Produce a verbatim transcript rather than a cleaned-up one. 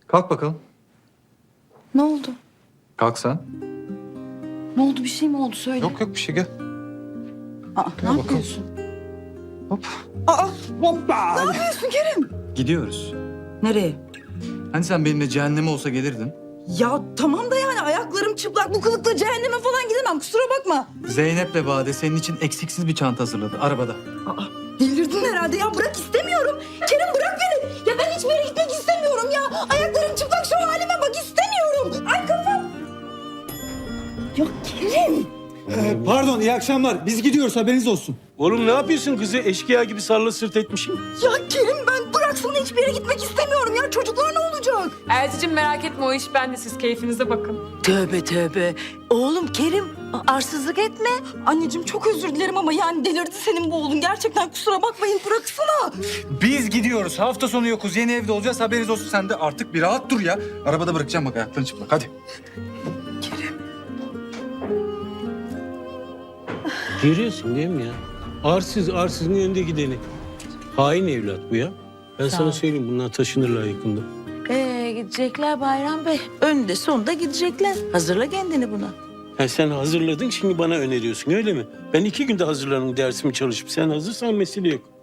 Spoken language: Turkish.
Kalk bakalım. Ne oldu? Kalk sen. Ne oldu, bir şey mi oldu söyle. Yok yok bir şey gel. Aa, Gel ne bakalım. yapıyorsun? Hop. Aa, hoppa. Ne yapıyorsun Kerim? Gidiyoruz. Nereye? Hani sen benimle cehenneme olsa gelirdin. Ya tamam da yani ayaklarım çıplak, bu kılıkla cehenneme falan gidemem, kusura bakma. Zeynep'le Bade senin için eksiksiz bir çanta hazırladı arabada. Aa, delirdin herhalde ya, bırak, istemiyorum. Kerim bırak beni. Ya ben hiçbir yere gitmek istemiyorum ya. Ayaklarım çıplak, şu halime bak, istemiyorum. Ay kafam. Ya Kerim. Ee, pardon, iyi akşamlar. Biz gidiyoruz, haberiniz olsun. Oğlum ne yapıyorsun kızı? Eşkıya gibi sarla sırt etmişim. Ya Kerim, ben bıraksana, hiçbir yere gitmek istemiyorum ya. Çocuklar ne olacak? Elçicim merak etme, o iş bende, siz keyfinize bakın. Tövbe tövbe. Oğlum Kerim, arsızlık etme. Anneciğim çok özür dilerim ama yani delirdi senin bu oğlun. Gerçekten kusura bakmayın, bıraksana. Biz gidiyoruz. Hafta sonu yokuz. Yeni evde olacağız. Haberiniz olsun. Sen de artık bir rahat dur ya. Arabada bırakacağım bak, ayaklarını çıplak. Hadi. Görüyorsun değil mi ya? Arsız arsızın önünde gideni. Hain evlat bu ya. Ben sana söyleyeyim, bunlar taşınırlar yakında. Ee, gidecekler Bayram Bey. Önde sonunda gidecekler. Hazırla kendini buna. Ha, sen hazırladın, şimdi bana öneriyorsun öyle mi? Ben iki günde hazırlanırım, dersimi çalışıp. Sen hazırsan mesele yok.